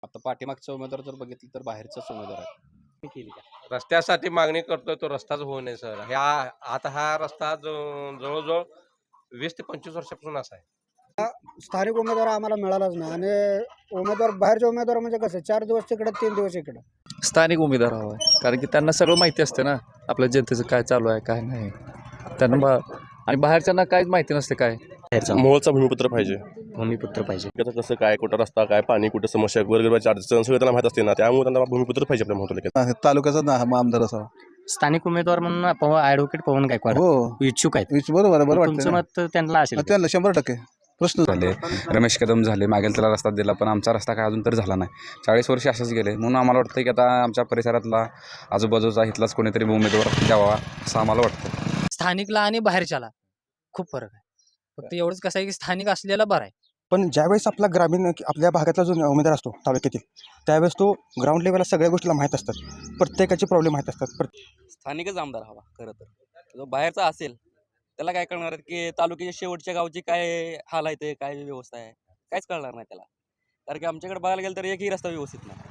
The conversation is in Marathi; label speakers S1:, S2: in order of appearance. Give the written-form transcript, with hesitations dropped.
S1: आता पाठीमागचा उमेदवार जर बघितलं तर बाहेरचाच उमेदवार आहे. केली का?
S2: रस्त्यासाठी मागणी करतोय तो रस्ताच होऊ नये सर. आता हा रस्ता जवळजवळ 20 ते 25 वर्षापासून असा आहे.
S3: स्थानिक उमेदवार आम्हाला मिळालाच नाही आणि उमेदवार बाहेरचे उमेदवार म्हणजे कसं 4 दिवस तिकडं 3 दिवस इकडं.
S4: स्थानिक उमेदवार हवा आहे, कारण की त्यांना सगळं माहिती असते ना आपल्या जनतेचं काय चालू आहे काय नाही त्यांना आणि बाहेरच्यांना काहीच माहिती नसते काय.
S5: मोहोळचा भूमिपुत्र पाहिजे.
S6: भूमिपुत्र पाहिजे.
S5: त्याचं कसं काय, कुठं रस्ता काय, पाणी कुठं, समस्या वगैरे अडचण सगळं त्यांना माहीत असते ना, त्यामुळे त्यांना भूमिपुत्र पाहिजे आपल्या मोहोळ तालुक्यात.
S7: तालुक्याचा ना आमदार असावा.
S6: स्थानिक उमेदवार म्हणून ॲडव्होकेट पवन गायकवाड
S7: हो
S6: इच्छुक आहेत.
S7: बरोबर बरोबर
S6: तुमचं मत त्यांना असेल.
S7: त्यांना 100% प्रश्न
S8: झाले. रमेश कदम झाले, मागेल त्याला रस्ता दिला, पण आमचा रस्ता काय अजून तरी झाला नाही. 40 वर्ष असेच गेले. म्हणून आम्हाला वाटतं की आता आमच्या परिसरातला आजूबाजूचा इथलाच कोणीतरी उमेदवार द्यावा असं आम्हाला वाटतं.
S9: स्थानिकला आणि बाहेरच्याला खूप फरक आहे. फक्त एवढंच कसं आहे की स्थानिक असलेला बरं आहे.
S3: पण ज्यावेळेस आपला ग्रामीण आपल्या भागातला जो उमेदवार असतो तालुक्यातील त्यावेळेस तो ग्राउंड लेवलला सगळ्या गोष्टीला माहीत असतात, प्रत्येकाचे प्रॉब्लेम माहीत असतात.
S1: स्थानिकच आमदार हवा खरं तर. जो बाहेरचा असेल त्याला काय कळणार आहे की तालुक्याच्या शेवटच्या गावची काय हाल आहे, ते काय व्यवस्था आहे, काहीच कळणार नाही त्याला. कारण की आमच्याकडे बघायला गेलं तर एकही रस्ता व्यवस्थित नाही.